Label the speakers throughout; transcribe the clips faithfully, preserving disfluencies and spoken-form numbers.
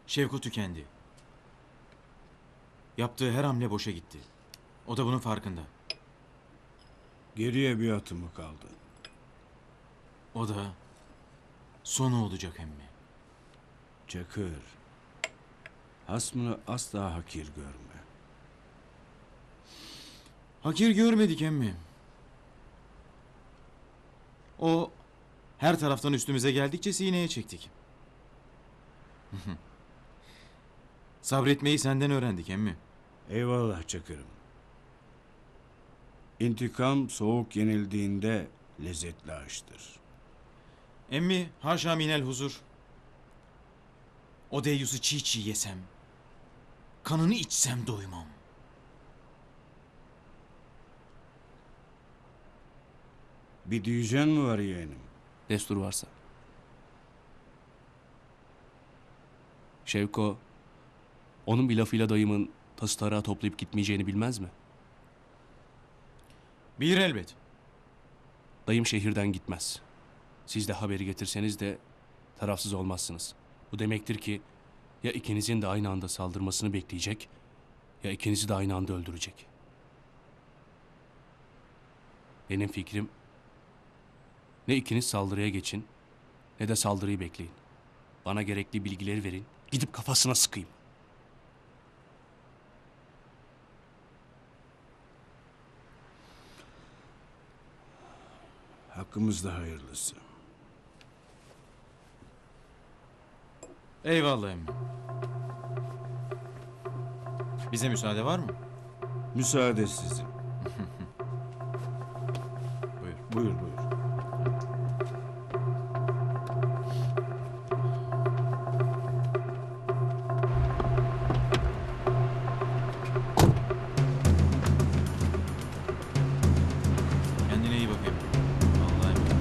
Speaker 1: Şevku tükendi. Yaptığı her hamle boşa gitti. O da bunun farkında.
Speaker 2: Geriye bir atımı kaldı.
Speaker 1: O da sonu olacak emmi.
Speaker 2: Çakır. Hasmını asla hakir görme.
Speaker 1: Hakir görmedik emmi. O her taraftan üstümüze geldikçe sineye çektik. Sabretmeyi senden öğrendik emmi.
Speaker 2: Eyvallah Çakır'ım. İntikam soğuk yenildiğinde lezzetli aştır.
Speaker 1: Emmi haşa minel huzur. O deyyusu çiğ çiğ yesem, kanını içsem doymam.
Speaker 2: Bir diyeceğin mi var yeğenim?
Speaker 3: Destur varsa. Şevko, onun bir lafıyla dayımın tası tarağı toplayıp gitmeyeceğini bilmez mi?
Speaker 1: Bilir elbet.
Speaker 3: Dayım şehirden gitmez. Siz de haberi getirseniz de tarafsız olmazsınız. Bu demektir ki ya ikinizin de aynı anda saldırmasını bekleyecek ya ikinizi de aynı anda öldürecek. Benim fikrim ne ikiniz saldırıya geçin ne de saldırıyı bekleyin. Bana gerekli bilgileri verin, gidip kafasına sıkayım.
Speaker 2: Hakkımızda hayırlısı.
Speaker 1: Eyvallah emmi. Bize müsaade var mı?
Speaker 2: Müsaade sizin.
Speaker 1: Buyur.
Speaker 2: Buyur buyur.
Speaker 1: Kendine iyi bak emmi. Allah'a emanet.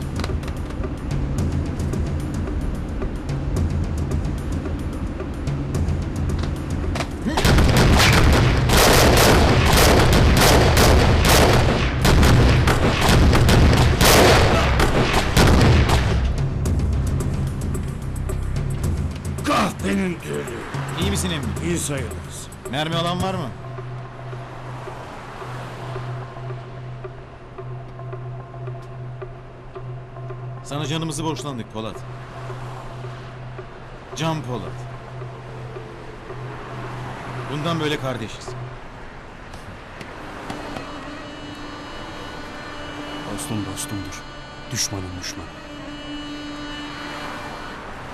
Speaker 2: Kahpenin ölü.
Speaker 1: İyi misin emmi?
Speaker 2: İyi sayılırız.
Speaker 1: Mermi alan var mı? Sana canımızı borçlandık Polat. Can Polat. Bundan böyle kardeşiz.
Speaker 3: Dostum dostumdur, düşmanım düşman.